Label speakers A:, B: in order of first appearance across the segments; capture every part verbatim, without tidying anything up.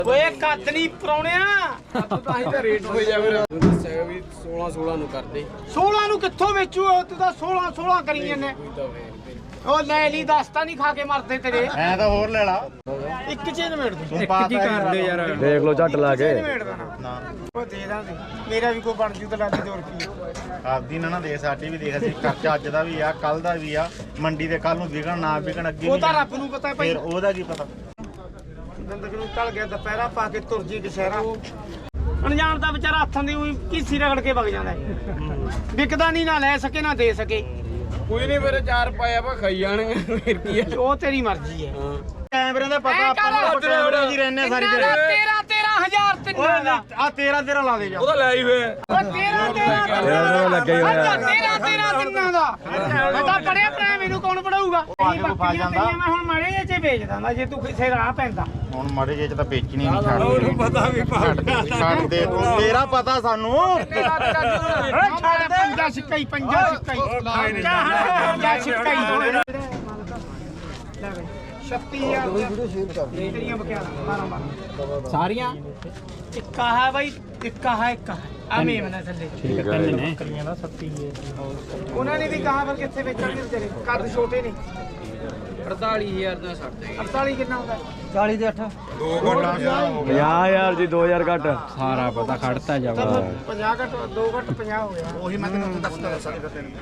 A: ਓਏ ਕੱਦ ਨਹੀਂ ਪਰੌਣਿਆ
B: ਤਾਂ ਹੀ ਤਾਂ ਰੇਟ ਹੋ ਜਾਵੇ ਦੱਸਿਆ ਵੀ ਸੋਲਾਂ ਸੋਲਾਂ ਨੂੰ ਕਰਦੇ
A: ਸੋਲਾਂ ਨੂੰ ਕਿੱਥੋਂ ਵੇਚੂ ਤੂੰ ਤਾਂ ਸੋਲਾਂ ਸੋਲਾਂ ਕਰੀ ਜਾਂਦੇ ਉਹ ਲੈ ਲਈ ਦਸ ਤਾਂ ਨਹੀਂ ਖਾ ਕੇ ਮਰਦੇ ਤੇਰੇ
C: ਐ ਤਾਂ ਹੋਰ ਲੈ ਲਾ
A: ਇੱਕ ਚੀਜ਼ ਨਿਬੇੜ ਦੂੰ
C: ਤੂੰ ਪਾਸ
B: ਕੀ ਕਰਦੇ ਯਾਰ
D: ਦੇਖ ਲੋ ਝੱਟ ਲਾ ਕੇ
A: ਨਿਬੇੜ ਦੇਣਾ
C: ਨਾ
A: ਉਹ ਦੇ ਦਾਂਗੇ ਮੇਰਾ ਵੀ ਕੋਈ ਬਣ ਜੂ ਤਾਂ ਲੱਗ ਦੋ ਰੁਪਏ
C: ਆਪਦੀ ਨਾ ਨਾ ਦੇ ਸਾਡੀ ਵੀ ਦੇਖ ਅਸੀਂ ਖਰਚਾ ਅੱਜ ਦਾ ਵੀ ਆ ਕੱਲ ਦਾ ਵੀ ਆ ਮੰਡੀ ਦੇ ਕੱਲ ਨੂੰ ਵਿਕਣ ਨਾ ਵਿਕਣ ਅੱਗੇ
A: ਉਹ
C: ਵੀ
A: ਤਾਂ ਰੱਬ ਨੂੰ ਪਤਾ ਭਾਈ
C: ਫਿਰ ਉਹਦਾ ਕੀ ਪਤਾ
A: ਗੰਦਕ ਨੂੰ ਟਲ ਗਿਆ ਦੁਪਹਿਰਾ ਪਾ ਕੇ ਤੁਰ ਜੀ ਕਸ਼ਹਿਰਾ ਅਣਜਾਣ ਦਾ ਵਿਚਾਰਾ ਹੱਥਾਂ ਦੀ ਉਹੀ ਕੀਸੀ ਰਗੜ ਕੇ ਵਗ ਜਾਂਦਾ ਵਿਕਦਾ ਨਹੀਂ ਨਾ ਲੈ ਸਕੇ ਨਾ ਦੇ ਸਕੇ
B: ਕੋਈ ਨਹੀਂ ਮੇਰੇ ਚਾਰ ਪਾਇਆ ਵਾ ਖਾਈ ਜਾਣਗੇ ਫਿਰ ਕੀ ਆ
A: ਉਹ ਤੇਰੀ ਮਰਜ਼ੀ ਹੈ
C: ਕੈਮਰੇ ਦਾ ਪਤਾ ਆਪਾਂ ਨੂੰ ਕੈਮਰੇ ਜੀ ਰਹਿੰਦੇ ਸਾਰੀ
A: ਤੇਰਾ
C: ਦਿਹਾੜੀ
A: ਤੇਰਾ ਤੇਰਾ ਹਜ਼ਾਰ ਤਿੰਨਾਂ ਦਾ
C: ਆ ਤੇਰਾ ਤੇਰਾ ਲਾ ਦੇ ਜਾ
B: ਉਹਦਾ ਲੈ ਹੀ ਵੇ
A: ਉਹ ਤੇਰਾ ਤੇਰਾ
D: ਤੇਰਾ ਲੱਗਾ ਹੀ ਹੋਇਆ।
A: ਤੇਰਾ ਤੇਰਾ ਤਿੰਨਾਂ ਦਾ ਮੈਂ ਤਾਂ ਪੜਿਆ ਭਰਾ ਮੈਨੂੰ ਕੌਣ ਪੜਾਊਗਾ
C: ਆ ਕੇ ਫਸ ਜਾਂਦਾ।
A: ਮੈਂ ਹੁਣ ਮਾੜੇ ਜਿਹੇ ਚ ਵੇਚ ਦਾਂਦਾ ਜੇ ਤੂੰ ਕਿਸੇ ਰਾਹ ਪੈਂਦਾ
C: ਹੁਣ ਮਾੜੇ ਜੇ ਚ ਤਾਂ ਵੇਚਣੀ ਨਹੀਂ ਛੱਡ
B: ਉਹਨੂੰ ਪਤਾ ਵੀ
C: ਛੱਡ ਦੇ ਤੂੰ ਤੇਰਾ ਪਤਾ ਸਾਨੂੰ
A: ਛੱਡ ਦੇ ਪੰਜਾ ਸਿੱਕਾ ਹੀ ਪੰਜਾ ਸਿੱਕਾ ਹੀ ਪੰਜਾ ਸਿੱਕਾ ਹੀ ਲੈ ਬਈ ਛੱਤੀ ਹਜ਼ਾਰ ਤੇਰੀਆਂ ਬਕਿਆ ਮਾਰਾਂ ਮਾਰਾਂ
B: ਸਾਰੀਆਂ
A: ਇੱਕਾ ਹੈ ਬਾਈ ਇੱਕਾ ਹੈ ਇੱਕਾ ਹੈ ਆ ਮੇਮਨਾ ਥੱਲੇ
D: ਠੀਕ ਹੈ ਨੇ
A: ਉਹਨਾਂ ਨੇ ਵੀ ਕਹਾ ਪਰ ਕਿੱਥੇ ਵੇਚਣਗੇ ਤੇਰੇ ਕੱਦ ਛੋਟੇ ਨੇ
B: ਅੜਤਾਲੀ ਹਜ਼ਾਰ ਦਾ ਛੱਡ ਦੇ
A: ਅੜਤਾਲੀ ਕਿੰਨਾ ਹੁੰਦਾ
B: ਚਾਲੀ ਦੇ ਅੱਠ
D: ਪੰਜਾਹ ਹਜ਼ਾਰ ਜੀ ਦੋ ਹਜ਼ਾਰ ਘੱਟ
B: ਸਾਰਾ ਪਤਾ ਖੜਤਾ ਜਾਵਾ
A: ਪੰਜਾਹ ਘੱਟ ਦੋ ਘੱਟ ਪੰਜਾਹ ਹੋ ਗਿਆ
C: ਉਹੀ ਮੈਂ ਤੈਨੂੰ ਦੱਸਦਾ ਸਾਡੇ ਤੈਨੂੰ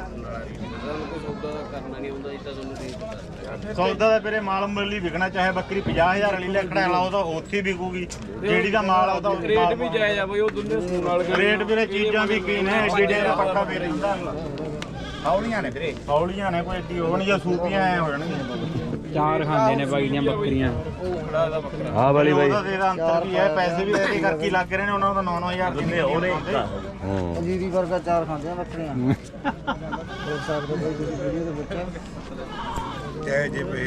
B: ਕਰਨਾ ਨਹੀਂ ਹੁੰਦਾ ਇਦਾਂ ਤੁਹਾਨੂੰ ਦੇ
C: ਸੌਦਾ ਦਾ ਤੇਰੇ ਮਾਲ ਮੁੱਲ ਹੀ ਵਿਕਣਾ ਚਾਹੇ ਬੱਕਰੀ ਪੰਜਾਹ ਹਜ਼ਾਰ ਵਾਲੀ ਲੈਕੜਾ ਲਾ ਉਹ ਤਾਂ ਉੱਥੇ ਹੀ ਵਿਕੂਗੀ ਜਿਹੜੀ ਦਾ ਮਾਲ ਆ ਉਹਦਾ
B: ਰੇਟ ਵੀ ਜਾਇਜ਼ ਆ ਬਈ ਉਹ ਦੁੱਲੇ ਸੂਣ ਨਾਲ
C: ਰੇਟ ਵੀਰੇ ਚੀਜ਼ਾਂ ਵੀ ਕੀ ਨੇ ਐਡੀ ਡੇ ਦਾ ਪੱਕਾ ਵੀ ਰਹਿੰਦਾ ਹੌਲੀਆਂ ਨੇ ਵੀਰੇ ਹੌਲੀਆਂ ਨੇ ਕੋਈ ਐਡੀ ਉਹ ਨਹੀਂ ਜਾਂ ਸੂਪੀਆਂ ਐ ਹੋ ਜਾਣਗੀਆਂ
B: ਚਾਰ ਖਾਂਦੇ ਨੇ ਬਾਈ ਦੀਆਂ ਬੱਕਰੀਆਂ
D: ਆਹ ਵਾਲੀ ਬਾਈ
C: ਉਹਦਾ ਇਹਦਾ ਅੰਤਰ ਵੀ ਹੈ ਪੈਸੇ ਵੀ ਇਹਦੇ ਕਰਕੇ ਲੱਗ ਰਹੇ ਨੇ ਉਹਨਾਂ ਦਾ ਨੌ ਨੌ ਹਜ਼ਾਰ ਦਿੰਦੇ ਉਹਦੇ
D: ਹੂੰ
E: ਜੀਰੀ ਵਰਗਾ ਚਾਰ ਖਾਂਦੇ ਆ ਬੱਕਰੀਆਂ ਦੇਖ ਸਕਦੇ ਹੋ ਤੁਸੀਂ ਵੀਡੀਓ ਦੇ ਵਿੱਚ
C: ਜੈ ਜੇ ਪਏ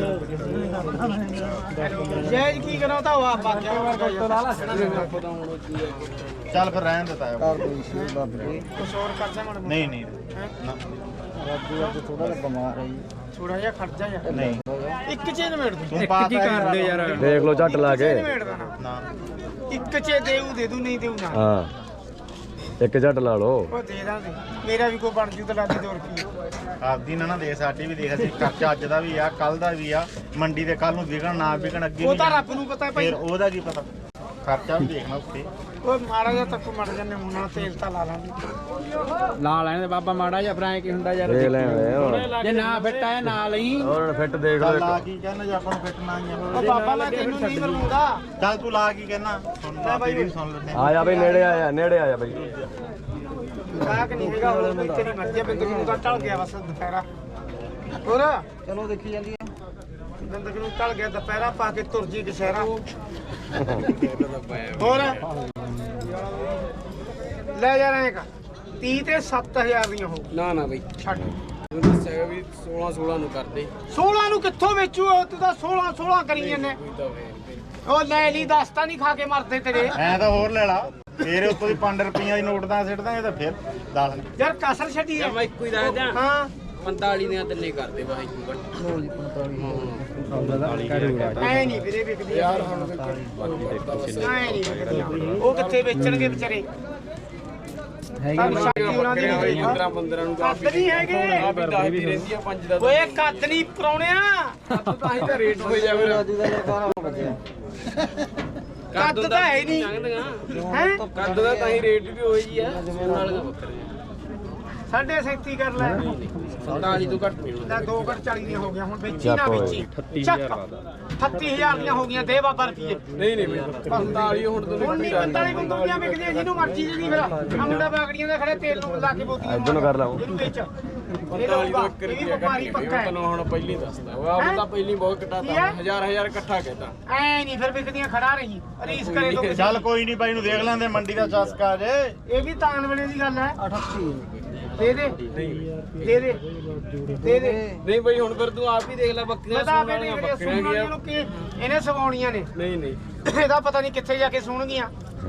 A: ਜੈਜ ਕੀ ਕਰਾਂ ਤਾਂ ਉਹ ਆਪਾ ਕਿਆ ਵਰਗਾ
C: ਚੱਲ ਫਿਰ ਰਹਿਣ ਦਿੱਤਾ
E: ਕਾਰ ਦੇ ਸੀ ਬਾਬੇ
A: ਕੁਛ ਹੋਰ ਕਰਦਾ ਮਨ
C: ਨਹੀਂ ਨਹੀਂ ਨਾ,
E: ਰਾਜੂ ਅੱਜ ਥੋੜਾ ਜਿਹਾ ਬਿਮਾਰ ਹੈ ਜੀ
A: ਥੋੜਾ ਜਿਹਾ ਖਰਚਾ ਜਾ
C: ਨਹੀਂ
A: ਇੱਕ ਚੀਜ਼ ਨਿਬੇੜ ਦੂੰ
C: ਤੂੰ ਪਾਸ
B: ਕੀ ਕਰਦੇ ਯਾਰ
D: ਦੇਖ ਲੋ ਝੱਟ ਲਾ ਕੇ
A: ਨਿਬੇੜ ਦੇਣਾ
C: ਨਾ
A: ਇੱਕ ਚ ਦੇਊ ਦੇ ਦੂ ਨਹੀਂ ਦੇਊ ਨਾ
D: ਹਾਂ ਇੱਕ ਝੱਟ ਲਾ ਲੋ
A: ਉਹ ਦੇ ਦਾਂਗੇ ਮੇਰਾ ਵੀ ਕੋਈ ਬਣ ਜੂ ਤਾਂ ਲੱਗ ਦੋ ਰੁਪਏ
C: ਆਪਦੀ ਨਾ ਨਾ ਦੇ ਸਾਡੀ ਵੀ ਦੇਖ ਅਸੀਂ ਖਰਚਾ ਅੱਜ ਦਾ ਵੀ ਆ ਕੱਲ ਦਾ ਵੀ ਆ ਮੰਡੀ ਦੇ ਕੱਲ ਨੂੰ ਵਿਕਣ ਨਾ ਵਿਕਣ ਅੱਗੇ
A: ਉਹ
C: ਵੀ
A: ਤਾਂ ਰੱਬ ਨੂੰ ਪਤਾ ਭਾਈ
C: ਫਿਰ ਉਹਦਾ ਕੀ ਪਤਾ ਖਰਚਾ ਵੀ ਦੇਖਣਾ ਉੱਤੇ
A: ਉਹ ਮਾੜਾ ਜਿਹਾ ਤੱਕ ਮੜ ਜਾਂਦੇ ਮੂੰਹ ਨਾਲ ਤੇਲ ਤਾਂ ਲਾ ਲਾਂਗੇ
B: ਲਾ ਲੈਣ ਦੇ ਬਾਬਾ ਮਾੜਾ ਜਿਹਾ ਫਰਾਂ ਕੀ ਹੁੰਦਾ ਯਾਰ
D: ਦੇਖ ਲੈ ਹੁਣ
B: ਜੇ ਨਾ ਫਿੱਟ ਆਇਆ ਨਾ ਲਈ
D: ਉਹਨਾਂ ਨੇ ਫਿੱਟ ਦੇਖ
C: ਚੱਲ
D: ਲੋ
C: ਲਾ ਕੀ ਕਹਿਣਾ ਜੇ ਆਪਾਂ ਨੂੰ ਫਿੱਟਣਾ ਹੀ
A: ਉਹ
C: ਆ
A: ਬਾਬਾ ਮੈਂ ਤੈਨੂੰ ਨਹੀਂ ਮਰਵਾਉਂਦਾ
C: ਚੱਲ ਤੂੰ ਲਾ ਕੀ ਕਹਿਣਾ ਸੁਣ ਲਾ ਤੇਰੀ ਵੀ ਸੁਣ ਲੈਂਦੇ
D: ਆ ਜਾ ਬਈ ਨੇੜੇ ਆ ਜਾ ਨੇੜੇ ਆ ਜਾ ਬਈ
A: ਕਾਹ ਕਿ ਨਹੀਂ ਹੈਗਾ ਹੋਰ ਕੋਈ ਤੇਰੀ ਮਰਜ਼ੀ ਆ ਬਿੰਦਕ ਨੂੰ ਤਾਂ ਟਲ ਗਿਆ ਬਸ ਦੁਪਹਿਰਾ ਹੋਰ
E: ਚਲੋ ਦੇਖੀ ਜਾਂਦੀ ਆ
A: ਬਿੰਦਕ ਨੂੰ ਟਲ ਗਿਆ ਦੁਪਹਿਰਾ ਪਾ ਕੇ ਤੁਰ ਜੀ ਕਸ਼ਹਿਰਾ ਹੋਰ ਲੈ ਜਾ ਰਹੇ ਕਾ ਤੀਹ ਤੇ ਸੱਤ ਹਜ਼ਾਰ ਦੀਆਂ ਹੋ
B: ਨਾ ਨਾ ਬਈ
A: ਛੱਡ
B: ਦੱਸਿਆ ਵੀ ਸੋਲਾਂ ਸੋਲਾਂ ਨੂੰ ਕਰਦੇ
A: ਸੋਲਾਂ ਨੂੰ ਕਿੱਥੋਂ ਵੇਚੂ ਤੂੰ ਤਾਂ ਸੋਲਾਂ ਸੋਲਾਂ ਕਰੀ ਜਾਂਦੇ ਉਹ ਲੈ ਲਈ ਦਸ ਤਾਂ ਨਹੀਂ ਖਾ ਕੇ ਮਰਦੇ ਤੇਰੇ
C: ਐ ਤਾਂ ਹੋਰ ਲੈ ਲਾ ਤੇਰੇ ਉੱਤੋਂ ਦੀ ਪੰਜ ਰੁਪਈਆਂ ਦੀ ਨੋਟ ਤਾਂ ਸਿੱਟ ਦਾਂਗੇ ਤਾਂ ਫਿਰ ਦੱਸ
A: ਯਾਰ ਕਸਰ ਛੱਡੀ ਆ
B: ਮੈਂ ਇੱਕੋ ਹੀ ਦੱਸ ਦਿਆਂ
A: ਹਾਂ
B: ਪੰਤਾਲੀ ਦੀਆਂ ਤਿੰਨੇ ਕਰਦੇ ਬਾਈ
E: ਲੋ ਜੀ ਪੰਤਾਲੀ
A: ਐ ਨਹੀਂ ਵੀਰੇ ਵਿਕਦੀ ਯਾਰ ਹੁਣ ਐ ਨਹੀਂ ਵਿਕਦੀਆਂ ਉਹ ਕਿੱਥੇ ਵੇਚਣਗੇ ਵਿਚਾਰੇ ਸਾਨੂੰ ਸ਼ਕਤੀ ਉਹਨਾਂ ਦੀ ਨਹੀਂ
B: ਪੰਦਰਾਂ ਪੰਦਰਾਂ ਨੂੰ
A: ਕੱਦ ਨਹੀਂ ਹੈਗੇ
B: ਆ ਵੀ ਦਸ ਦੀ ਰਹਿੰਦੀ ਆ ਪੰਜ ਦਾ
A: ਓਏ ਕੱਦ ਨਹੀਂ ਪਰੌਣਿਆ
B: ਤਾਂ ਹੀ ਤਾਂ ਰੇਟ ਹੋ ਜਾਵੇ
E: ਰਾਜੂ ਦਾ ਬਾਰਾਂ ਵੱਜਿਆ
A: ਕੱਦ ਤਾਂ ਹੈ ਨਹੀਂ ਹੈ
B: ਕੱਦ ਦਾ ਤਾਂ ਹੀ ਰੇਟ ਵੀ ਹੋਈ ਜੀ ਆ ਸੋਨ ਵਾਲੀਆਂ ਬੱਕਰੀਆਂ
A: ਸਾਢੇ ਸੈਂਤੀ ਕਰ ਲੈ
B: ਪੰਤਾਲੀ ਤੋਂ ਘੱਟ ਨਹੀਂ
A: ਲੈ ਦੋ ਘੱਟ ਚਾਲੀ ਦੀਆਂ ਹੋ ਗਈਆਂ ਹੁਣ ਵੇਚੀ ਨਾ ਵੇਚੀ ਚੱਕ ਅਠੱਤੀ ਹਜ਼ਾਰ ਦੀਆਂ ਹੋ ਗਈਆਂ ਦੇ ਬਾਬਾ ਰੁਪਏ
B: ਨਹੀਂ ਨਹੀਂ ਬਈ ਪੰਤਾਲੀ ਹੁਣ ਤੋਂ
A: ਹੁਣ ਨਹੀਂ ਪੰਤਾਲੀ ਬੰਦੂਕੀਆਂ ਵਿਕਦੀਆਂ ਜਿਹਨੂੰ ਮਰਜ਼ੀ ਜਿਹੜੀ ਫਿਰ ਆ ਮੁੰਡਾ ਬਾਗੜੀਆਂ ਦੇ ਖੜੇ ਤੇਲ ਨੂੰ ਲਾ ਕੇ ਬੋਤੀਆਂ
D: ਇੱਧਰ ਨੂੰ ਕਰ ਲਾ
A: ਇਹਨੂੰ ਵੇਚ ਇਹ
B: ਪੰਤਾਲੀ ਤੋਂ
A: ਲਊਗਾ
B: ਇੱਕ
A: ਇਹ ਵੀ
B: ਰੁਪਿਆ
A: ਵਪਾਰੀ
B: ਘੱਟ
A: ਪੱਕਾ ਹੈ
B: ਤੈਨੂੰ ਹੁਣ ਪਹਿਲੀ ਦੱਸਦਾ ਉਹ ਆਪ ਤਾਂ ਪਹਿਲੀ ਬਹੁਤ ਘਟਾਤਾ ਹਜ਼ਾਰ ਹਜ਼ਾਰ ਇਕੱਠਾ ਕਹਿਤਾ
A: ਐ ਨਹੀਂ ਫਿਰ ਵਿਕਦੀਆਂ ਖੜਾ ਰਹੀ ਰੀਸ ਕਰੇ ਤੋਂ
C: ਚੱਲ ਕੋਈ ਨਹੀਂ ਬਾਈ ਨੂੰ ਦੇਖ ਲੈਂਦੇ ਮੰਡੀ ਦਾ ਚਸਕਾ ਜੇ
A: ਇਹ ਵੀ ਤਾਨ ਵੇਲੇ ਦੀ ਗੱਲ ਹੈ
E: ਅਠੱਤੀ
A: ਦੇ ਦੇ ਦੇ ਦੇ ਦੇ ਦੇ
B: ਨਹੀਂ ਬਈ ਹੁਣ ਫਿਰ ਤੂੰ ਆਪ ਹੀ ਦੇਖ ਲੈ ਬੱਕਰੀਆਂ
A: ਮੈਂ ਤਾਂ
B: ਸੂਣ
A: ਆਪੇ
B: ਵਾਲੀਆਂ
A: ਦੇਖ ਰਿਹਾ
B: ਬੱਕਰੀਆਂ
A: ਸੁਣਨ
B: ਗਿਆ
A: ਨੂੰ ਕਿ ਇਹਨੇ ਸਵਾਉਣੀਆਂ ਨੇ
B: ਨਹੀਂ ਨਹੀਂ
A: ਇਹਦਾ ਪਤਾ ਨਹੀਂ ਕਿੱਥੇ ਜਾ ਕੇ ਸੁਣਗੀਆਂ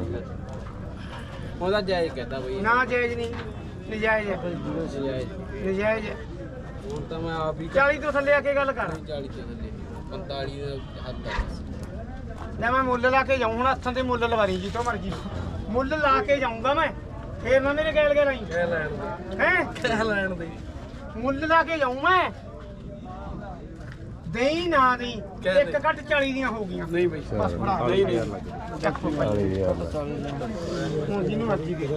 B: ਉਹਦਾ ਜਾਇਜ਼ ਕਹਿਤਾ ਬਈ
A: ਨਾ ਜਾਇਜ਼ ਨਹੀਂ ਨਜਾਇਜ਼ ਹੈ
B: ਜਾਇਜ਼
A: ਨਜਾਇਜ਼ ਹੈ
B: ਹੁਣ ਤਾਂ ਮੈਂ ਆਪ ਹੀ
A: ਚਾਲੀ ਤੋਂ ਥੱਲੇ ਆ ਕੇ ਗੱਲ ਕਰ
B: ਚਾਲੀ ਤੋਂ ਥੱਲੇ ਪੰਤਾਲੀ ਦਾ ਹੱਦ ਆ
A: ਲੈ ਮੈਂ ਮੁੱਲ ਲਾ ਕੇ ਜਾਊਂ ਹੁਣ ਹੱਥਾਂ ਤੇ ਮੁੱਲ ਲਵਾਰੀ ਜੀ ਤੋਂ ਮਰਜੀ ਮੁੱਲ ਲਾ ਕੇ ਜਾਊਂਗਾ ਮੈਂ ਫੇਰ ਨਾ ਮੇਰੇ ਗੈਲ ਗੈਲ ਆਈ
B: ਕਹਿ ਲੈਣ ਦੇ
A: ਹੈ
B: ਕਹਿ ਲੈਣ ਦੇ
A: ਮੁੱਲ ਲਾ ਕੇ ਜਾਊਂ ਮੈਂ ਦੇਈ ਨਾ ਦੀ
B: ਕਹਿ
A: ਇੱਕ ਘੱਟ ਚਾਲੀ ਦੀਆਂ ਹੋ ਗਈਆਂ
B: ਨਹੀਂ ਬਈ
A: ਬਸ ਫੜਾ
B: ਨਹੀਂ ਨਹੀਂ
A: ਚੱਕੋ ਭਾਈ
D: ਕਾਲੀ ਯਾਰ
A: ਹੁਣ ਜਿਹਨੂੰ ਮਰਜੀ ਦੇ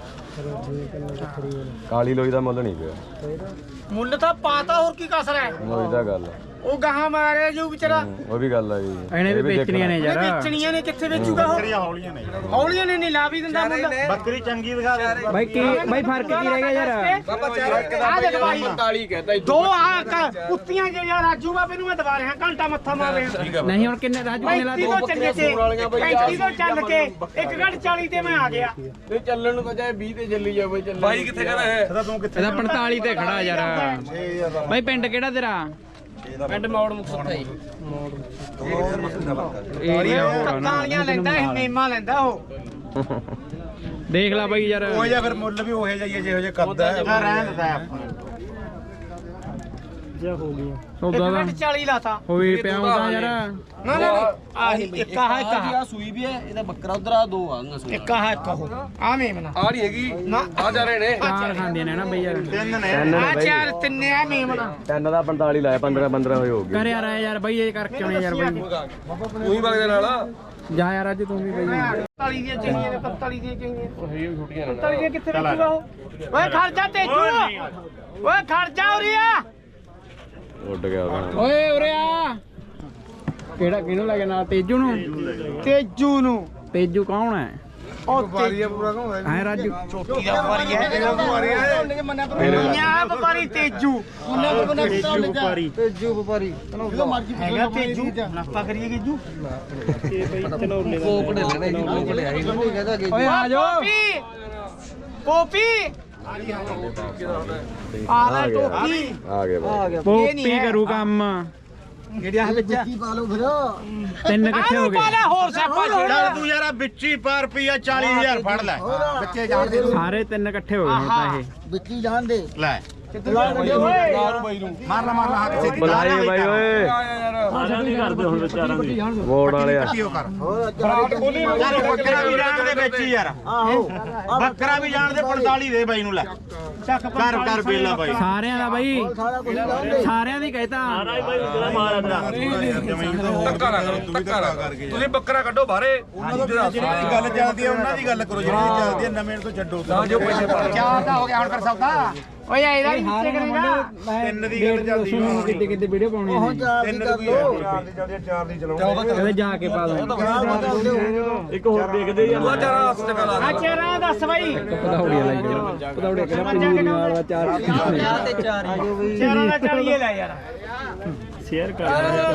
D: ਕਾਲੀ ਲੋਈ ਦਾ ਮੁੱਲ ਨਹੀਂ ਪਿਆ
A: ਮੁੱਲ ਤਾਂ ਪਾਤਾ ਹੋਰ ਕੀ ਕਸਰ ਹੈ
D: ਲੋਈ ਦਾ ਗੱਲ
A: ਉਹ ਗਾਹਾਂ ਮਾਰਿਆ ਜੋ ਵਿਚਾਰਾ
D: ਹੂੰ, ਉਹ ਵੀ ਗੱਲ ਆ ਜੀ
E: ਇਹਨੇ ਵੀ
D: ਇਹ
E: ਵੇਚਣੀਆਂ ਨੇ
A: ਉਹਨੇ
E: ਯਾਰ
A: ਵੇਚਣੀਆਂ ਨੇ ਕਿੱਥੇ ਵੇਚੂਗਾ ਉਹ
C: ਬੱਕਰੀਆਂ ਹੌਲੀਆਂ ਨੇ
A: ਹੌਲੀਆਂ ਨੇ ਨਹੀਂ ਲਾ ਵੀ ਦਿੰਦਾ ਮੁੱਲ
C: ਬੱਕਰੀ ਚੰਗੀ ਦਿਖਾ ਦੇ
E: ਬਾਈ ਕੀ ਬਾਈ ਫਰਕ ਕੀ ਰਹਿ ਗਿਆ ਯਾਰ
B: ਬਾਬਾ ਚਾਰ
A: ਆਹ ਦੇਖ ਬਾਈ।
B: ਪੰਤਾਲੀ ਕਹਿੰਦਾ
A: ਦੋ ਆ ਕ- ਕੁੱਤੀਆਂ ਜਿਹੜੀਆਂ ਰਾਜੂ ਬਾਬੇ ਨੂੰ ਮੈਂ ਦਬਾ ਰਿਹਾ ਘੰਟਾ ਮੱਥਾ ਮਾਰ ਰਿਹਾ
E: ਨਹੀਂ ਹੁਣ ਕਿੰਨੇ ਰਾਜੂ ਕਿੰਨੇ ਲਾ
A: ਪੈਂਤੀ ਤੋਂ ਚੱਲੇ ਤੇ ਪੈਂਤੀ ਤੋਂ ਚੱਲ ਕੇ ਇੱਕ ਘੰਟ ਚਾਲੀ ਤੇ ਮੈਂ ਆ ਗਿਆ
B: ਨਹੀਂ ਚੱਲਣ ਨੂੰ ਤਾਂ ਚਾਹੇ ਵੀਹ ਤੇ ਚੱਲੀ ਜਾਵੇ ਚੱਲ ਬਾਈ ਕਿੱਥੇ ਕਹਿੰਦਾ ਹੈ
C: ਇਹਦਾ ਤੂੰ ਕਿੱਥੇ
E: ਇਹਦਾ ਪੰਤਾਲੀ ਤੇ ਖੜਾ ਯਾਰ ਬਾਈ ਪਿੰਡ ਕਿਹੜਾ ਤੇਰਾ
B: ਪਿੰਡ ਮੌੜ ਮੁਕਤਸਰ ਹੀ
E: ਏਰੀਆ ਹੋਰ ਆ ਨਾ।
A: ਕੱਤਾਲੀਆਂ ਲੈਂਦਾ ਇਹ ਮੇਮਾ ਲੈਂਦਾ ਉਹ
E: ਦੇਖ ਲੈ ਬਾਈ ਯਾਰ
C: ਉਹ ਜਿਹਾ ਫਿਰ ਮੁੱਲ ਵੀ ਉਹੇ ਜਾਈਏ ਜਿਹੋ ਜਿਹਾ ਕਰਦਾ ਹੈ ਰਹਿਣ ਦਿੰਦਾ ਆਪਾਂ
E: ਸੌਦਾ
A: ਇੱਕ
E: ਦਾ
A: ਘੰਟ ਚਾਲੀ ਲਾਤਾ
E: ਹੋਈ ਪਿਆ ਹੁੰਦਾ ਯਾਰ
A: ਨਾ ਨਾ ਆਹੀ ਇੱਕ ਆਹ ਇੱਕ ਆਹ
B: ਸੂਈ ਵੀ ਹੈ ਇਹਦਾ ਬੱਕਰਾ ਉਧਰ ਆ ਦੋ ਆ ਉਹਨਾਂ ਸੂਈ
A: ਇੱਕ ਆਹ ਇੱਕ ਉਹ ਆ ਮੇਮਨਾ
B: ਆ ਨਹੀਂ ਹੈਗੀ
A: ਨਾ
B: ਆ ਜਾ ਰਹੇ ਨੇ
E: ਚਾਰ ਖਾਂਦੀਆਂ ਨੇ ਨਾ ਬਈ ਯਾਰ
C: ਤਿੰਨ ਨੇ
D: ਤਿੰਨ
A: ਆ
D: ਨੇ ਬਾਈ
A: ਚਾਰ ਤਿੰਨੇ ਆ ਮੇਮਨਾ
D: ਤਿੰਨ ਦਾ ਪੰਤਾਲੀ ਲਾਇਆ ਪੰਦਰਾਂ ਪੰਦਰਾਂ ਹੋਏ ਹੋ ਗਏ
E: ਕਰ ਯਾਰ ਆ ਯਾਰ ਬਾਈ ਇਹ ਕਰਕੇ ਆਉਣੇ ਯਾਰ ਬਾਈ
B: ਉਹੀ ਵਗਦੇ ਨਾਲ
E: ਜਾ ਯਾਰ ਅੱਜ ਤੂੰ ਵੀ ਬਾਈ
A: ਪੰਤਾਲੀ ਦੀਆਂ ਚਾਹੀਦੀਆਂ ਨੇ ਪੰਤਾਲੀ ਦੀਆਂ ਚਾਹੀਦੀਆਂ
B: ਉਹ ਹੈ ਹੀ ਛੋਟੀਆਂ ਨੇ
A: ਪੰਤਾਲੀ ਦੀਆਂ ਕਿੱਥੇ ਵੇਚੂਗਾ ਉਹ ਓਏ ਖਰਚਾ ਤੇਜੂ ਓਏ ਖਰਚਾ ਉਰੀਆ
D: ਉੱਡ ਗਿਆ ਉਹਦਾ
E: ਓਏ ਉਰੇ ਆ ਕਿਹੜਾ ਕਿਹਨੂੰ ਲੱਗੇ ਨਾਲ ਤੇਜੂ ਨੂੰ
A: ਤੇਜੂ ਨੂੰ
E: ਤੇਜੂ ਕੌਣ ਹੈ
A: ਉਹ ਤੇਜੂ
B: ਪੂਰਾ ਕਹੂੰ
E: ਹੈ ਰਾਜੂ
A: ਚੋਟੀ ਦਾ ਵਪਾਰੀ ਹੈ ਦੁਨੀਆ ਵਪਾਰੀ ਤੇਜੂ
C: ਤੇਜੂ ਵਪਾਰੀ
E: ਤੇਜੂ ਵਪਾਰੀ
A: ਹੈਗਾ ਤੇਜੂ ਨਾਪਾ ਕਰੀਏ ਤੇਜੂ
B: ਕੋਕ ਦੇ ਲੈਣੇ ਕੋਕ ਲੈ ਆਈ
E: ਓਏ ਆ ਜਾਓ
A: ਪੋਪੀ ਆ ਲੈ ਟੋਪੀ
D: ਆ ਗਿਆ ਬਾਈ
E: ਪੋਪੀ ਕਰੂ ਕੰਮ
A: ਜਿਹੜਿਆ ਵਿੱਚ
E: ਤਿੰਨ ਇਕੱਠੇ ਹੋ
A: ਪਾ
E: ਗਏ
A: ਲੈ ਹੋਰ ਸਿਆਪਾ
C: ਚੱਲ
A: ਜਿਹੜਾ
C: ਤੂੰ ਯਾਰ ਵਿੱਚੀ ਪਰ ਰੁਪਿਆ ਚਾਲੀ ਹਜ਼ਾਰ ਫੜ ਲੈ ਬੱਚੇ ਜਾਣ ਦੇ
E: ਸਾਰੇ ਤਿੰਨ ਇਕੱਠੇ ਹੋ ਗਏ ਹੁਣ ਤਾਂ ਇਹ
A: ਵਿੱਚੀ ਜਾਣ ਦੇ
C: ਲੈ
A: ਓਏ
C: ਮਾਰ ਲਾ ਮਾਰ ਲਾ ਹੱਥ ਸੇ
D: ਬੁਲਾਏ ਬਾਈ ਓਏ ਵੋਟ ਵਾਲੇ ਆ
C: ਕਿਉਂ ਕਰ ਯਾਰ ਬੱਕਰਾ ਵੀ ਜਾਣ ਦੇ ਵਿੱਚ ਹੀ ਯਾਰ ਆਹੋ ਬੱਕਰਾ ਵੀ ਜਾਣ ਦੇ ਪੰਤਾਲੀ ਦੇ ਬਾਈ ਨੂੰ ਲੈ
A: ਚੱਕ
C: ਕਰ ਕਰ ਬੇਲਾ ਬਾਈ
E: ਸਾਰਿਆਂ ਦਾ ਬਾਈ ਸਾਰਿਆਂ ਦੀ ਕਹਿਤਾ
B: ਧੱਕਾ ਨਾ ਕਰੋ ਧੱਕਾ ਨਾ ਕਰਕੇ ਤੁਸੀਂ ਬੱਕਰਾ ਕੱਢੋ ਬਾਹਰੇ ਉਹਨਾਂ ਦਾ
C: ਜਿਹਨਾਂ ਦੀ ਗੱਲ ਚੱਲਦੀ ਹੈ ਉਹਨਾਂ ਦੀ ਗੱਲ ਕਰੋ ਜਿਹੜੀ ਚੱਲਦੀ ਹੈ ਨਵੇਂ ਤੋਂ ਛੱਡੋ
B: ਜੋ ਪੈਸੇ ਪਾ
A: ਚਾਰ ਦਾ ਹੋ ਗਿਆ ਹੁਣ ਫਿਰ ਸੌਦਾ ਓਏ ਇਹਦਾ ਵੀ ਨੀਚੇ ਕਰੇਗਾ
C: ਤਿੰਨ ਦੀ ਗੱਲ ਚੱਲਦੀ
E: ਸੁਣੋ ਕਿੱਦੇ ਕਿੱਦੇ ਵੀਡੀਓ ਪਾਉਣੀ ਹੈ
C: ਤਿੰਨ ਦੀ ਚਾਰ ਦੀ ਚੱਲਦੀ ਚਾਰ ਦੀ ਚਲਾਉਂਦੇ
E: ਕਹਿੰਦੇ ਜਾ ਕੇ ਪਾ ਦੋ
D: ਇੱਕ ਹੋਰ ਦੇਖਦੇ ਯਾਰ
B: ਤੂੰ ਚਾਰਾ ਹੱਥ ਤੇ ਲਾ
A: ਆ ਚਿਹਰਾ ਦੱਸ ਬਾਈ
E: ਪਧੌੜੀਆਂ ਲਾਈ ਜਾਓ ਪਧੌੜੀਆਂ ਕਹਿੰਦਾ ਪੰਜੂ ਨਹੀਂ ਮਾਰਦਾ ਚਾਰ
A: ਚਿਹਰਾ ਦਾ ਚਾਲੀਏ ਲੈ ਯਾਰ
E: ਸ਼ੇਅਰ ਕਰ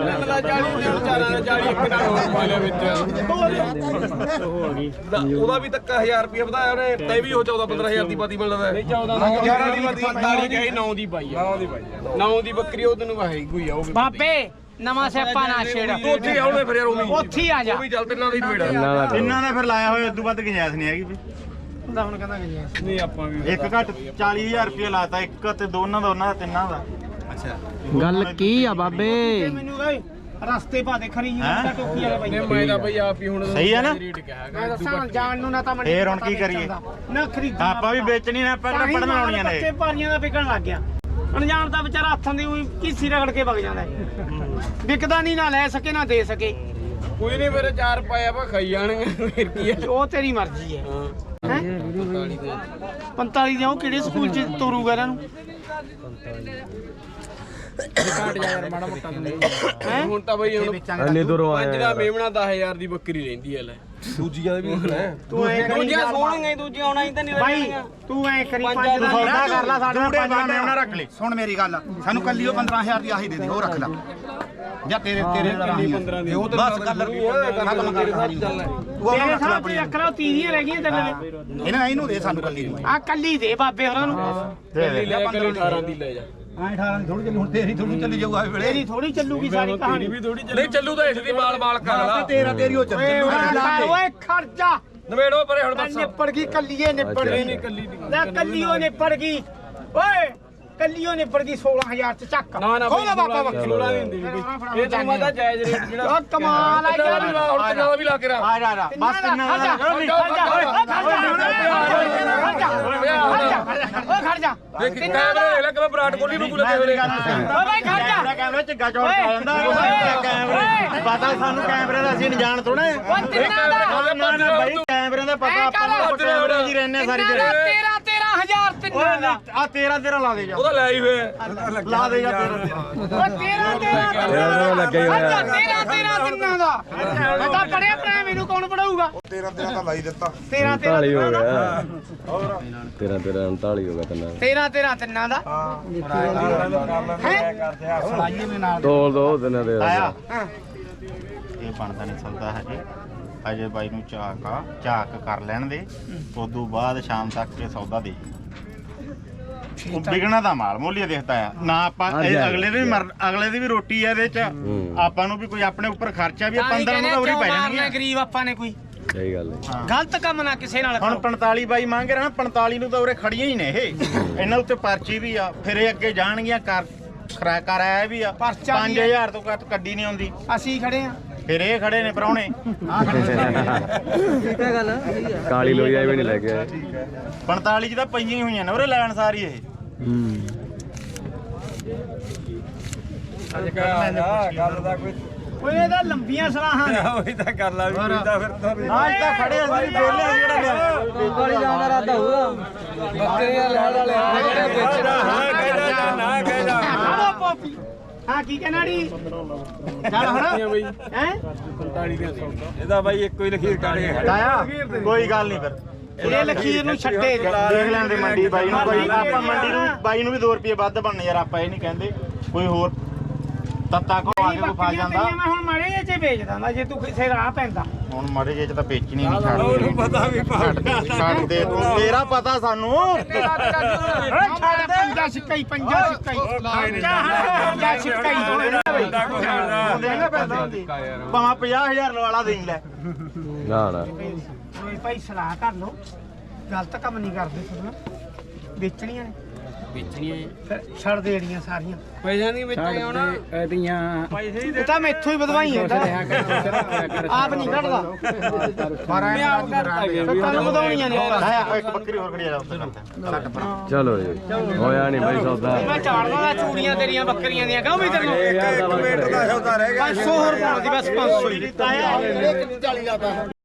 B: ਉਹਦਾ ਵੀ ਧੱਕਾ ਹਜ਼ਾਰ ਰੁਪਏ ਵਧਾਇਆ ਉਹਨੇ ਤੇ ਵੀ ਉਹ ਚੌਦਾਂ ਪੰਦਰਾਂ ਹਜ਼ਾਰ ਦੀ ਪਾਤੀ ਮਿਲਦਾ ਨਹੀਂ ਚੌਦਾਂ ਦੀ ਪੰਤਾਲੀ ਕਹੀ ਨੌ ਦੀ ਪਾਈ ਆ ਨੌ ਦੀ ਬੱਕਰੀ ਉਹ ਤੈਨੂੰ ਵਾਹੀ ਕੋਈ ਆ ਉਹ ਵੀ
A: ਬਾਬੇ ਨਵਾਂ ਸਿਆਪਾ ਨਾ ਛੇੜ
B: ਤੂੰ ਉੱਥੇ ਆਉਣੇ ਫਿਰ ਯਾਰ ਉਹ ਵੀ
A: ਉੱਥੇ ਹੀ ਆ ਜਾ
B: ਉਹ ਵੀ ਚੱਲ ਤਿੰਨਾਂ ਦੀ ਭੇੜਾ
D: ਇਹਨਾਂ ਦਾ
C: ਇਹਨਾਂ ਨੇ ਫਿਰ ਲਾਇਆ ਹੋਇਆ ਉਦੋਂ ਵੱਧ ਗੁੰਜਾਇਸ਼ ਨਹੀਂ ਹੈਗੀ
A: ਹੁੰਦਾ ਹੁਣ ਕਹਿੰਦਾ ਗਈਆਂ
B: ਨਹੀਂ ਆਪਾਂ ਵੀ
C: ਇੱਕ ਘੱਟ ਚਾਲੀ ਹਜ਼ਾਰ ਰੁਪਏ ਲਾਤਾ ਇੱਕ ਤੇ ਦੋਨਾਂ ਦਾ ਉਹਨਾਂ ਦਾ ਤਿੰਨਾਂ ਦਾ
E: ਗੱਲ ਕੀ ਆ ਬਾਬੇ
A: ਮੈਨੂੰ ਬਈ ਰਸਤੇ ਪਾ ਦੇ ਖਰੀ ਜੀ
C: ਹੈਂ?
A: ਟੋਕੀ ਵਾਲੇ ਬਾਈ
B: ਨੇ ਮੈਂ ਤਾਂ ਬਈ ਆਪ ਹੀ ਹੁਣ
C: ਸਹੀ ਆ ਨਾ?
B: ਰੇਟ ਕਿਹਾ
A: ਮੈਂ ਦੱਸਾਂ ਜਾਣ ਨੂੰ ਨਾ ਤਾਂ ਮੈਨੂੰ
C: ਫੇਰ ਹੁਣ
A: ਪਤਾ
C: ਕੀ ਕਰੀਏ?
A: ਵੇਚਣ ਦਾ, ਨਾ ਖਰੀਦ
C: ਆਪਾਂ ਵੀ ਵੇਚਣੀ ਨਾ ਆਪਾਂ ਕਿਹੜਾ ਪੜਨ ਆਉਣੀਆਂ ਨੇ
A: ਬੱਚੇ ਪਾਰੀਆਂ ਦਾ ਵਿਕਣ ਲੱਗ ਗਿਆ ਅਣਜਾਣ ਦਾ ਵਿਚਾਰਾ ਹੱਥਾਂ ਦੀ ਉਹੀ ਕੀਸੀ ਰਗੜ ਕੇ ਵਗ ਜਾਂਦਾ ਹੈ ਵਿਕਦਾ ਨਹੀਂ ਨਾ ਲੈ ਸਕੇ ਨਾ ਦੇ ਸਕੇ
B: ਕੋਈ ਨਹੀਂ ਮੇਰੇ ਚਾਰ ਪਾਇਆ ਵਾ ਖਾਈ ਜਾਣਗੇ ਫਿਰ ਕੀ ਹੈ
A: ਉਹ ਤੇਰੀ ਮਰਜ਼ੀ ਹੈ
B: ਹਾਂ
A: ਹੈਂ? ਪੰਤਾਲੀ ਦੇ ਉਹ ਕਿਹੜੇ ਸਕੂਲ ਚ ਤੋਰੂਗਾ ਇਹਨਾਂ ਨੂੰ
E: ਘਾਟ ਜਾ ਯਾਰ ਮਾੜਾ ਮੋਟਾ
A: ਹੈਂ?
B: ਹੁਣ ਤਾਂ ਬਈ ਹੁਣ
D: ਇੰਨੀ ਦੂਰੋਂ
B: ਪੰਜ
D: ਆਇਆ
B: ਦਾ
D: ਯਾਰ।
B: ਮੇਮਣਾ ਦਸ ਹਜ਼ਾਰ ਦੀ ਬੱਕਰੀ ਰਹਿੰਦੀ ਹੈ ਲੈ ਦੂਜੀਆਂ ਦੇ ਵੀ ਹੁਣ
A: ਤੂੰ ਐ ਕਰੀ
B: ਦੂਜੀਆਂ ਸੋਹਣੀਆਂ ਦੂਜੀਆਂ ਆਉਣਾ ਹੀ ਤਾਂ ਨਹੀਂ
A: ਬਾਈ ਤੂੰ ਐ ਕਰੀ
B: ਪੰਜ
A: ਪੰਜ ਦਾ ਸੌਦਾ ਕਰ ਲਾ ਸਾਡੇ ਨਾਲ
C: ਜੂੜੇ
A: ਪੰਜ
C: ਬਾਣੇ
A: ਦਾ
C: ਉਹਨਾਂ ਰੱਖ ਲੈ ਸੁਣ ਮੇਰੀ ਗੱਲ ਸਾਨੂੰ ਕੱਲੀ ਉਹ ਪੰਦਰਾਂ ਹਜ਼ਾਰ ਦੀ ਆਹੀ ਦੇ ਦੇ ਉਹ ਰੱਖ ਲੈ ਜਾਂ ਤੇਰੇ ਤੇਰੇ
B: ਪੰਦਰਾਂ ਦੀ
C: ਬਸ ਗੱਲ ਖਤਮ ਕਰ
B: ਚੱਲ
C: ਉਹ
A: ਤੇਰੇ
C: ਰੱਖ ਲੈ
A: ਸਾਹ
C: ਆਪਣੀ
A: ਤੇ ਰੱਖ ਲਾ ਤੀਹ ਦੀਆਂ ਰਹਿ ਗਈਆਂ ਤੇਰੇ
C: ਇਹਨਾਂ ਇਹਨੂੰ ਦੇ ਸਾਨੂੰ ਕੱਲੀ ਨੂੰ
A: ਆ ਕੱਲੀ ਦੇ ਬਾਬੇ ਹੋਰਾਂ ਨੂੰ
B: ਕੱਲੀ ਲੈ ਕੇ ਅਠਾਰਾਂ ਦੀ ਲੈ ਜਾ
C: ਐ ਅਠਾਰਾਂ ਦੀ ਥੋੜੀ ਚੱਲੀ ਹੁਣ ਤੇਰੀ ਥੋੜੀ ਚੱਲੀ ਜਾਊਗਾ ਵੇਲੇ
A: ਤੇਰੀ ਥੋੜੀ ਚੱਲੂਗੀ ਸਾਰੀ ਕਹਾਣੀ
B: ਨਹੀਂ ਚੱਲੂ ਤਾਂ ਇਸ ਦੀ ਮਾਲ ਮਾਲ ਕਰ ਲਾ
C: ਤੇਰਾ ਤੇਰੀ ਉਹ ਚੱਲ
A: ਓਏ ਓਏ ਓਏ ਖਰਚਾ
B: ਨਵੇੜੋ ਪਰੇ ਹੁਣ
A: ਨਿਪੜ ਗਈ ਕੱਲੀਏ ਨਿਪੜ
D: ਅੱਛਾ,
A: ਗਈ
D: ਅੱਛਾ।
B: ਕੱਲੀ ਦੀ
A: ਲੈ ਕੱਲੀ ਉਹ ਨਿਪੜ ਗਈ ਓਏ ਕੱਲੀਓ ਨਿਬੜ ਗਈ ਸੋਲਾਂ ਹਜ਼ਾਰ ਚ ਚੱਕ
B: ਨਾ ਨਾ
A: ਖੋਲਾ ਬਾਬਾ ਬੱਕਰੀ
B: ਸੋਲਾਂ ਦੀ ਹੁੰਦੀ ਨੀ ਬਈ। ਇਹ ਤੈਨੂੰ ਮੈਂ ਤਾਂ ਜਾਇਜ਼ ਰੇਟ ਜਿਹੜਾ
A: ਉਹ ਕਮਾਲ ਆ ਯਾਰ
B: ਹੁਣ ਤੇ ਨਾਲ ਵੀ ਲਾ ਕੇ ਰਾ
C: ਆ ਜਾ ਆ ਬਸ ਕਿੰਨਾ
A: ਖੜ ਜਾ ਖੜ ਜਾ ਓਏ ਖੜ ਜਾ
B: ਦੇਖ ਕੈਮਰੇ ਲੈ ਲੈ ਕਿ ਵਿਰਾਟ ਕੋਹਲੀ ਨੂੰ ਲੱਗੇ ਹੋਏ ਨੇ
A: ਓ ਭਾਈ ਖੜ ਜਾ
C: ਕੈਮਰੇ ਝੱਗਾ ਚੌੜ ਪਾ ਜਾਂਦਾ ਕੈਮਰੇ ਪਤਾ ਸਾਨੂੰ ਕੈਮਰੇ ਦਾ ਅਸੀਂ ਜਾਣ ਥੋੜਾ
A: ਓ ਤਿੰਨਾਂ ਦਾ
C: ਨਾ ਨਾ ਬਾਈ ਕੈਮਰੇ ਦਾ ਪਤਾ ਆਪਾਂ ਨੂੰ ਕੈਮਰੇ ਦੀ ਰਹਿੰਦੇ ਸਾਰੀ
A: ਤੇਰਾ
C: ਦਿਹਾੜੀ
A: ਤੇਰਾ ਤੇਰਾ ਹਜ਼ਾਰ ਤਿੰਨਾਂ ਦਾ
C: ਆ ਤੇਰਾ ਤੇਰਾ ਲਾ ਦੇ ਜਾ
B: ਉਹਦਾ ਲੈ ਹੀ ਹੋਇਆ
C: ਲਾ ਦੇ ਜਾ ਤੇਰਾ ਤੇਰਾ
A: ਓ ਤੇਰਾ ਤੇਰਾ
D: ਤੇਰਾ ਲੱਗਾ ਹੀ ਹੋਇਆ।
A: ਤੇਰਾ ਤੇਰਾ ਤਿੰਨਾਂ ਦਾ ਮੈਂ ਤਾਂ ਪੜਿਆ ਭਰਾ ਮੈਨੂੰ ਕੌਣ ਪੜਾਊਗਾ
C: ਤੇਰਾ ਤੇਰਾ ਤਾਂ ਲਾਈ ਦਿੱਤਾ
A: ਤੇਰਾ ਤੇਰਾ
D: ਉਨਤਾਲੀ ਹੋ ਗਿਆ ਤੇਰਾ ਤੇਰਾ ਉਨਤਾਲੀ ਹੋ ਗਿਆ ਤੈਨਾਂ
A: ਤੇਰਾ ਤੇਰਾ ਤਿੰਨਾਂ ਦਾ
D: ਤੋਲ ਦੋ ਤੈਨਾਂ ਦੇ
C: ਆਇਆ ਇਹ ਬਣਦਾ ਨਹੀਂ ਸਕਦਾ ਹਜੇ ਅਜੇ ਬਾਈ ਨੂੰ ਝਾਕ ਆ ਝਾਕ ਕਰ ਲੈਣ ਦੇ ਉਦੋਂ ਬਾਅਦ ਸ਼ਾਮ ਤੱਕ ਇਹ ਸੌਦਾ ਦੇ ਉਹ ਵਿਗਣਾ ਦਾ ਮਾਲ ਮੋਲੀਆ ਦੇਖਦਾ ਆ ਨਾ ਆਪਾਂ ਇਹ ਅਗਲੇ ਦੇ ਵੀ ਮਰ ਅਗਲੇ ਦੀ ਵੀ ਰੋਟੀ ਆ ਇਹਦੇ ਚ ਆਪਾਂ ਨੂੰ ਵੀ ਕੋਈ ਆਪਣੇ ਉੱਪਰ ਖਰਚਾ ਵੀ ਪੰਦਰਾਂ ਨੂੰ ਤਾਂ ਉਰੀ ਪੈ ਜਾਣਗੀਆਂ
A: ਗਰੀਬ ਆਪਾਂ ਨੇ ਕੋਈ
D: ਸਹੀ ਗੱਲ ਹੈ
A: ਗਲਤ ਕੰਮ ਨਾ ਕਿਸੇ ਨਾਲ
C: ਹੁਣ ਪੰਤਾਲੀ ਬਾਈ ਮੰਗ ਰਿਹਾ ਨਾ ਪੰਤਾਲੀ ਨੂੰ ਤਾਂ ਉਰੇ ਖੜੀਆਂ ਹੀ ਨੇ ਇਹ ਇਹਨਾਂ ਉੱਤੇ ਪਰਚੀ ਵੀ ਆ ਫਿਰ ਇਹ ਅੱਗੇ ਜਾਣਗੀਆਂ ਕਰ ਖਰਾ ਕਰ ਆਇਆ ਵੀ ਆ
A: ਪਰਚਾ ਵੀ
C: ਪੰਜ ਹਜ਼ਾਰ ਤੋਂ ਘੱਟ ਕੱਢੀ ਨਹੀਂ ਆਉਂਦੀ
A: ਅਸੀਂ ਖੜੇ ਆ
C: ਫਿਰ ਇਹ ਖੜੇ ਨੇ ਪਰਾਉਣੇ ਆ ਖੜੇ
E: ਠੀਕ ਹੈ ਗੱਲ
D: ਕਾਲੀ ਲੋਈਆ ਵੀ ਨਹੀਂ ਲੈ ਕੇ ਆਏ
C: ਪੰਤਾਲੀ ਚ ਤਾਂ ਪਈਆਂ ਹੀ ਹੋਈਆਂ ਨੇ ਉਰੇ ਲੈਣ ਸਾਰੀ ਇਹ
D: ਹੂੰ
B: ਅੱਜ ਕਾ ਗੱਲ ਦਾ ਕੋਈ
A: ਓਏ ਇਹਦਾ ਲੰਬੀਆਂ ਸਲਾਹਾਂ ਨੇ
B: ਉਹੀ ਤਾਂ ਕਰ ਲਾ ਵੀ ਤਾਂ ਫਿਰ ਤਾਂ
C: ਅੱਜ ਤਾਂ ਖੜੇ ਅਸੀਂ ਬੋਲੇ ਜਿਹੜਾ
E: ਵਾਲੀ ਜਾਣ ਦਾ ਇਰਾਦਾ ਹੋਊਗਾ
B: ਬੱਕਰੀਆਂ ਲੈਣ ਵਾਲੇ ਜਿਹੜੇ ਵੇਚਣਾ ਹਾਂ ਕਹਿੰਦਾ ਨਾ ਕਹਿੰਦਾ
A: ਖਾਓ ਪੋਪੀ ਹਾਂ ਕੀ ਕਹਿਣਾੜੀ ਚੱਲ ਹੁਣ
B: ਬਈ
A: ਹੈ
B: ਪੰਤਾਲੀ ਦੀਆਂ ਇਹਦਾ ਬਾਈ ਇੱਕੋ ਹੀ ਲਖੀਰ ਕਾੜੇ
C: ਆਇਆ ਕੋਈ ਗੱਲ ਨਹੀਂ ਫਿਰ
A: ਇਹ ਲਖੀਰ ਨੂੰ ਛੱਡੇ
C: ਦੇਖ ਲੈਂਦੇ ਮੰਡੀ ਬਾਈ ਨੂੰ ਕੋਈ ਆਪਾਂ ਮੰਡੀ ਨੂੰ ਬਾਈ ਨੂੰ ਵੀ ਦੋ ਰੁਪਏ ਵੱਧ ਬਣਨੇ ਯਾਰ ਆਪਾਂ ਇਹ ਨਹੀਂ ਕਹਿੰਦੇ ਕੋਈ ਹੋਰ ਤੱਤਾ ਕੋ ਆ ਕੇ ਕੋ ਫਸ ਜਾਂਦਾ
A: ਮੈਂ ਹੁਣ ਮਾੜੇ ਜਿਹੇ ਚ ਵੇਚ ਦਾਂਦਾ ਜੇ ਤੂੰ ਕਿਸੇ ਰਾਹ ਪੈਂਦਾ
C: ਹੁਣ ਮਾੜੇ ਜੇ ਚ ਤਾਂ ਵੇਚਣੀ ਨਹੀਂ ਛੱਡ
B: ਉਹਨੂੰ ਪਤਾ ਵੀ
C: ਛੱਡ ਦੇ ਤੂੰ ਤੇਰਾ ਪਤਾ ਸਾਨੂੰ
A: ਛੱਡ ਦੇ ਪੰਜਾ ਸਿੱਕਾ ਹੀ ਪੰਜਾ ਸਿੱਕਾ ਹੀ ਪੰਜਾ ਸਿੱਕਾ ਹੀ
C: ਭਾਵੇਂ ਪੰਜਾਹ ਹਜ਼ਾਰ ਲਵਾਲਾ ਦੇਈ ਲੈ
D: ਨਾ ਨਾ
A: ਓਏ ਭਾਈ ਸਲਾਹ ਕਰ ਲੋ ਗਲਤ ਕੰਮ ਨਹੀਂ ਕਰਦੇ ਸੁਣ ਵੇਚਣੀਆਂ ਨੇ
B: ਵੇਚਣੀਆਂ
A: ਫਿਰ ਛੱਡ ਦੇਣੀਆਂ ਸਾਰੀਆਂ
B: ਪੈਸਿਆਂ ਦੀ ਵੇਚਣੀਆਂ ਹੁਣ
E: ਇਹਦੀਆਂ
A: ਇਹ ਤਾਂ ਮੈਥੋਂ ਹੀ ਵਧਵਾਈ ਹੈ ਆਪ ਨਹੀਂ ਕੱਢਦਾ
B: ਮੈਂ ਆਪ ਕਰਤਾ ਗਿਆ
A: ਸੱਤਾਂ ਨੂੰ ਵਧਾਉਣੀਆਂ ਨੇ
C: ਆਇਆ ਇੱਕ ਬੱਕਰੀ ਹੋਰ ਖੜੀ ਆ ਉੱਤੇ ਕਰਦਾ
D: ਚਲੋ ਜੀ ਹੋਇਆ ਨਹੀਂ ਬਈ ਸੌਦਾ
A: ਮੈਂ ਝਾੜਦਾ ਦਾ ਚੂੜੀਆਂ ਤੇਰੀਆਂ ਬੱਕਰੀਆਂ ਦੀਆਂ ਕਹੋ ਵੀ ਤੈਨੂੰ
D: ਇੱਕ ਮਿੰਟ ਦਾ
A: ਪੰਜ ਸੌ ਹੋਰ ਪਾਉਣ ਦੀ ਬਸ ਪੰਜ ਸੌ ਹੀ